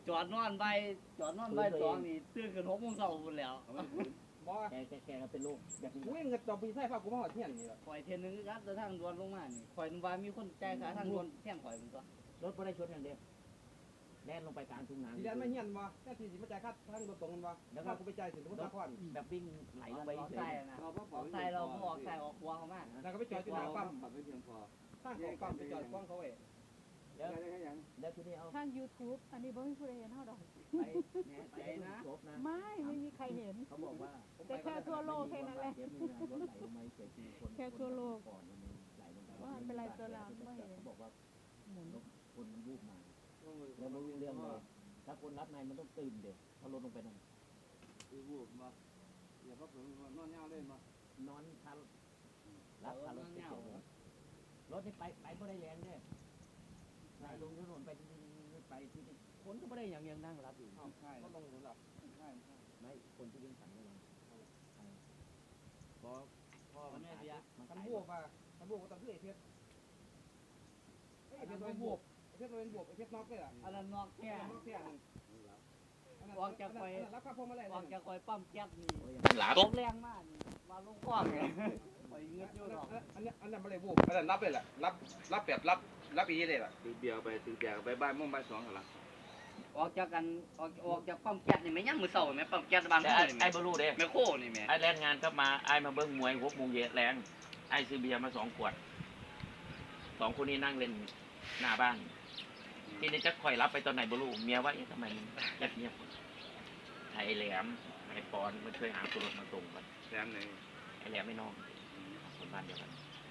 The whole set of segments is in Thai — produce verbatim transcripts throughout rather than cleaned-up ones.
จอดนอนใบจอดนอนใบสองนี่ตื่นขึ้นหกโมงเช้าหมดแล้วบ่แกแกแกเป็นลูกแบบนี้กูเองก็ต้องไปใส่ผ้ากูมาหอดเที่ยงนี่แหละข่อยเทนนึงครับแต่ทางด่วนลงมานี่ข่อยนึกว่ามีคนจ่ายค่าทางด่วนแท่งข่อยเป็นตัวรถบ่ได้ชนอย่างเดียวแล่นลงไปกลางทุ่งนาทีแรกไม่เฮียนบ่แค่ทีสิมาจ่ายค่าทางรถตรงกันบ่แล้วกูไปจ่ายถึงสมุทรสาครแบบวิ่งไหลลงไปเฉยๆนะออกใส่เราออกใส่ออกหัวเขามาแล้วก็ไปจอดที่หน้าปั๊มไม่เพียงพอตั้งของปั๊มไปจอดกว้างเขาเองแล้วแล้วทีนี้เอาทาง YouTube อันนี้บ่มีผู้ใดเห็นเฮาดอกไปแหน่ไปนะไม่ไม่มีใครเห็นเขาบอกว่าแต่แค่ทั่วโลกแค่นั้นแหละแค่ทั่วโลกว่าเป็นไรตัวเราไม่เห็นเขาบอกว่าหมุนคนมันวูบมาแล้วไม่รู้เรื่องเลยถ้าคนรับในมันต้องตื่นเด็กเขาลดลงไปนั่นวูบมาอย่าพักผ่อนนอนเงาเล่นมานอนทันรับทันรถเกี่ยวรถนี่ไปไปไม่ได้แรงเนี่ยนายลงถนนไปไปที่นี่คนก็ไม่ได้อย่างยังนั่งรับอยู่ใช่ก็ลงหลับใช่ไม่คนที่วิ่งสั่งระวังพอพอมันไม่เสียมันกันบวกอ่ะกันบวกก็ต้องคือไอ้เพชรไอ้เพชรเป็นบวกไอ้เพชรเป็นบวกไอ้เพชรน็อกเลยอ่ะอันนั้นน็อกแค่น็อกแค่นึงออกจากคอยรับข้าวพวงมาลัยออกจากคอยปั๊มแก๊สนี่ตกแรงมากมาลงคว้างเลยคอยเงือกอยู่หรอกอันนี้อันนั้นไม่ได้บวกอันนั้นรับเลยแหละรับรับแบบรับรับอีเลยล่ะตีเบียร์ไปตีเบียร์ไปบ้านม่วงบ้านสองกันละออกจากกันออกออกจากปั๊มแก๊สนี่ไม่ยังมือเสาไหมปั๊มแก๊สบ้านไอ้ไอ้บรูเด้แม่โคนี่แม่ไอ้แรงงานก็มาไอ้มาเบิ้งมวยหกโมงเย็นแรงไอ้ซื้อเบียร์มาสองขวดสองคนนี้นั่งเล่นหน้าบ้านทีนี้จะคอยรับไปตอนไหนบรูเมียว่าเอ๊ะทำไมมันเงียบเงียบไอ้แหลมไอ้ปอนมันช่วยหาตัวรถมาส่งกันแหลมเลยไอ้แหลมไม่น้องคนบ้านเดียวกัน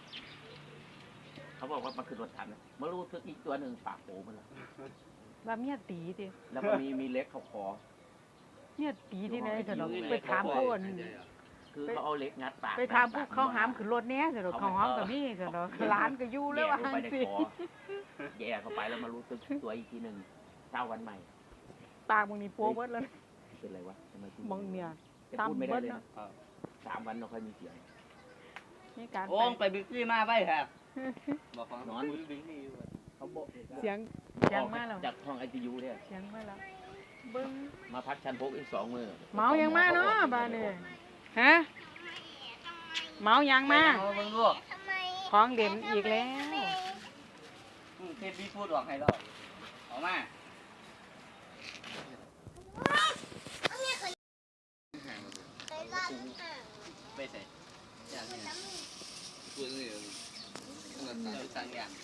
เขาบอกว่ามันคือรถทันมารู้ทึกอีกตัวหนึ่งปากโผล่มันละว่าเมียตีดิแล้วมันมีมีเล็กเขาคอเมียตีที่ไหนเถอะดอกไปถามผู้คือเขาเอาเล็กงัดปากไปถามผู้เขาหามขึ้นรถเนี้ยเถอะดอกเขาหามกับนี่เถอะดอกร้านก็อยู่แล้วว่าหันสิแย่เข้าไปแล้วมารู้สึกตัวอีกทีหนึ่งเช้าวันใหม่ปากมึงนี่โป๊ะเบิดเลยเป็นไรวะมึงเนี่ยซ้ำเบิดเนาะสามวันเราค่อยมีเสียงนี่การโอ้ไปบิ๊กซี่มาไปครับบอกฟังนอนเขาบอกเสียงเสียงมาแล้วจากห้องไอซียูเนี่ยเสียงมาแล้วเบิ้งมาพักชั้นพกอีกสองมือเมายังมาเนาะบ้านนี่ฮะเมายังมาของเด่นอีกแล้วเทปพี่พูดออกให้เราออกมาไปใส่อย่างนี้พูดนี่ขนาดต่างต่างอย่าง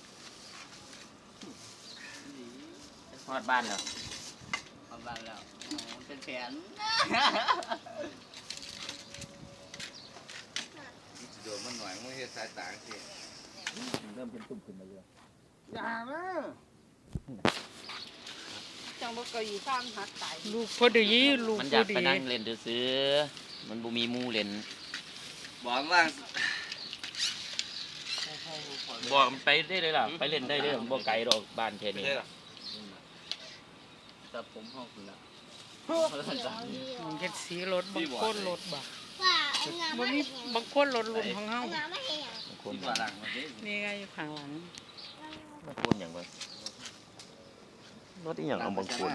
ฮอดบ้านแล้วฮอดบ้านแล้วเป็นแผนโดนมันหน่อยมันเห็นสายตาสิเริ่มเป็นตุ่มขึ้นมาเยอะอย่านะจังบ่ก็อยู่ข้างหักตายลูกพอดีลูกมันอยากไปนั่งเล่นซื้อมันบ่มีมูเล่นบอกว่าบอกมันไปได้เลยล่ะไปเล่นได้เลยบ่ไกลดอกบ้านแค่นี้แต่ผมห้องคุณละมันเฮ็ดสีรถบางคนรถบ่บ่มีบางคนรถรุ่นของเฮาบางคนนี่ไงอยู่ข้างหลังบางคนหยังวะรถอีหยังเอาบางคน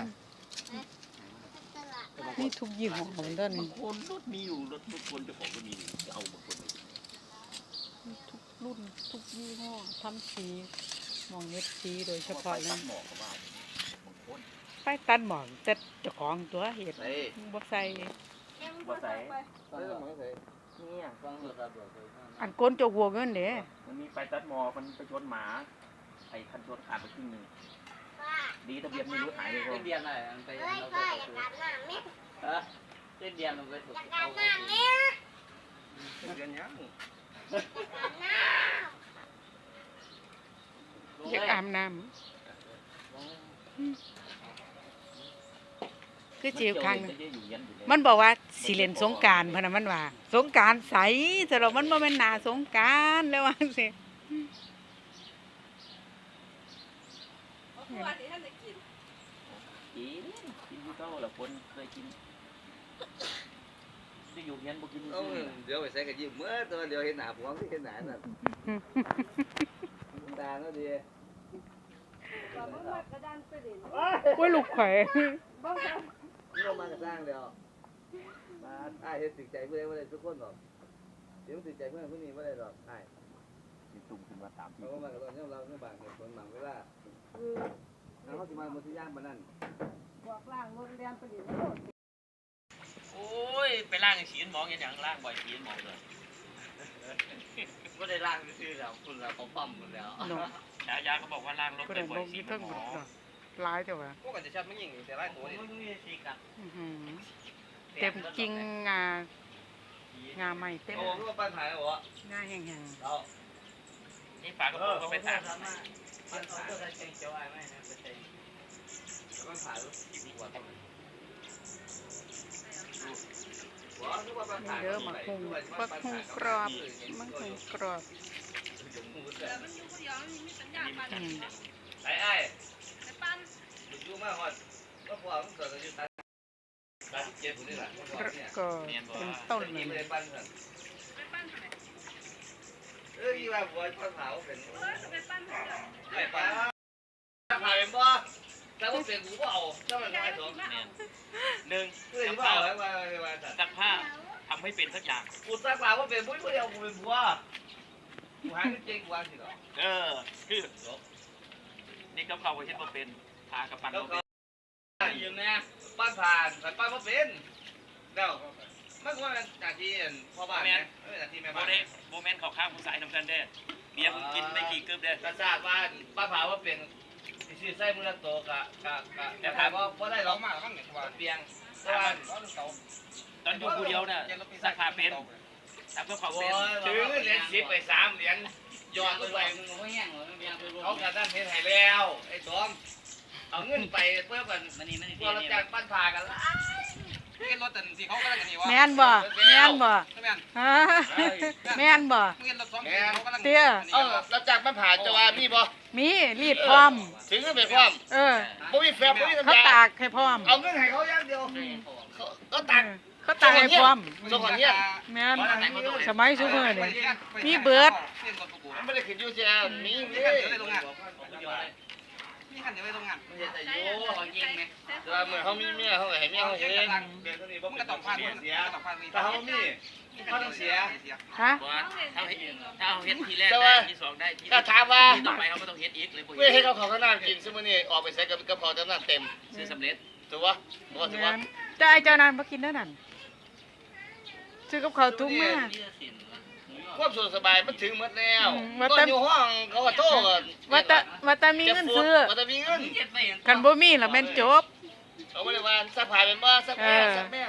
นี่ทุกยี่ห้อของเด้อนี่บางคนรถมีอยู่รถทุกคนเจ้าของก็มีจะเอาบางคนทุกรุ่นทุกยี่ห้อทำสีมองเฮ็ดสีโดยเฉพาะเลยไปตัดหมอกแต่เจ้าของตัวเฮ็ดบ่ใส่บ่ใส่เนี่ยฟังเลยครับอันก้นเจ้าหัวเงินเด้มันมีไปตัดหมอมันไปชนหมาไอ้คันชนขาดไปครึ่งนึงดีทะเบียนไม่รู้หายเลยเส้นเดียนอะไรมันไปเอาไปเออเส้นเดียนมันไปถูกเอาไปเส้นเดียนยังอยากอาบน้ำคือจิ๋วครั้งมันบอกว่าสิเล่นสงกรานต์พะนะมันว่าสงกรานต์ใสแต่เรามันบ่แม่นหน้าสงกรานต์แล้วว่าสิกินกินอยู่เท่าละคนเคยกินจะอยู่เงี้ยบ่กินเดี๋ยวไปใส่กระยิ้มเมื่อตัวเดียวเห็นหน้าผมที่เห็นหน้าน่ะตาก็ดีผู้อ้ยลูกข่อยนี่เรามากับสร้างแล้วมาอ้ายเฮ็ดติดใจเพื่อนบ่ได้ทุกคนหรอกเดี๋ยวติดใจเพื่อนผู้นี้บ่ได้หรอกอ้ายสิตุ่มขึ้นมาตามที่เขาก็มากับตอนนี้เราเรื่องบางเหตุผลบางเวลาแล้วเขาสิมาหมดที่ย่างมานั่นบอกล่างรถเรียนไปดิโลดโอ้ยไปล่างไอ้ฉีนหมองอย่างหยังล่างบ่อยฉีนหมองเลยก็ได้ร่างซื่อๆแล้วคุณแล้วเขาปั๊มหมดแล้วเนาะฉายาเขาบอกว่าล่างรถก็ไปได้บ่บ่อยฉีมีนเทิงหมบ่อเนาะหลายแต่ว่าพวกกันจะชัดไม่ยิงแต่ไล่ตัวนี่มันมีสีกับอื้อหือเต็มกิ่งงางาใหม่เต็มโอ้คือว่าปัญหาเหรองาแห้งเรานี่ฝากระโปรงก็ไปตากปัญหาตัวใดเป็นเจ้าอ้ายไหมนะเป็นใจปัญหาลูกหัวต้องหัวคือว่าปัญๆหานี่เด้อมาคุงบักคุงกรอบมังคุงกรอบอืมไอ้ไอ้อยู่มาฮอดก็พอมันเกิดอยู่ตัดตัดเจ็บนี่แหละก็เป็นต้นนี่เลไม่ยได้ปั้นกันเออที่ว่าบัวปัญหาเป็นไปปั้นปัญหาเป็นบ่ถ้าว่าเป็นกูก็เอาถ้ามันไม่สองเนี่ยหนึ่งเพื่อนซักบ้าผ้าไว้ไว้ไว้ซักผ้าทำให้เป็นสักอย่างกูสักผ้าว่าเป็นผู้เดียวกูเป็นบัวกูหาเก่งกว่าสิหรอเออคือนี่กับเขาก็เช่นว่าเป็นพากระปันแล้วบ่ก็เป็นยืมนะปั้นผ่านแต่ปั้นว่าเป็นแล้วมันว่าเป็นหน้าที่พ่อบ้านนะไม่เป็นหน้าที่แม่โมบ้านเดลโมเมนต์เขาข้างผู้สายทำกันได้เบียร์มึงกินไม่กี่กึ๊บเด้กระซากบ้านป้าผาว่าเป็นชื่อไส้มือละโตกะกะกะแต่ถามว่าว่าได้หรอกมากแล้วมั้งเนี่ยว่าเปียงแต่ว่าร้อนเก่าตอนอยู่ผู้เดียวน่ะซักผ้าเป็นทำกับเขาโอ้เป็นยถือเหรียญสิบไปสามเหรียญหยอดลงไปมึงไม่แห้งหรอไม่ยังไปรวมเขากระด้านเพชรให้แล้วไอ้ตอมเอาเงินไปเพื่อกันมันนี่มันนี่ตัวเราจ้างปั้นผ่ากันละเห็นรถแต่ที่เขาก็ได้กันนี่วะแม่นบ่แม่นบ่ใช่ไหมฮะแม่นบ่เห็นรถสองเขาก็ได้เตี้ยเออเราจ้างปั้นผ่าจะว่ามีบ่มีรีดพร้อมถึงเงินไปพร้อมเออบ่มีแฟบบ่มีเขาน้ำยาตากให้พร้อมเอาเงินให้เขาอย่างเดียวเขาก็ตักเออเขาตากให้พร้อมส่งคนเนี้ยแม่นสมัยซุมื้อนี่ มีเบิดมันไม่ได้ขึ้นอยู่ที่มีมีมีขันเดียวไปโรงงานมันจะแต่อยู่เขายิงไหมแต่ว่าเมื่อเขามีเมียเขาก็ให้เมียเขาเองเดี๋ยวนี้บ่มึงเป็ก็นต้ต้ออง งผ่านเสียมึงเสียก็ต้องผ่านถ้าเขามีเขาต้องเสียฮะว่าถ้าเฮ็ดถ้าเอาเฮ็ดทีแรกแต่ได้ว่าที่สองได้ที่ถ้าถามว่าที่ต่อไปเขาก็ต้องเฮ็ดอีกเลยบ่เพื่อให้เขาเขาขนาดกินซึ่งมื้อนี้ออกไปใส่กับกระเพาะจำนวนเต็มซื้อสำเร็จถูกปะถูกปะถูกแม่ปะนจะไอ้เจ้านั้นบ่กินเด้อนั่นซื้อกับข้าวทุกมื้อความสุขสบายมันถึงหมดแล้วอืมว่าตอแต่นอยู่ห้องเขาก็โทษว่าแต่ว่าแต่มีเงินซื้อว่าแต่มีเงินคันบ่มีแล้วแม่นจบเอาบ่ได้ว่าสักผ้าเป็นบ่สักแม่เออสักแม่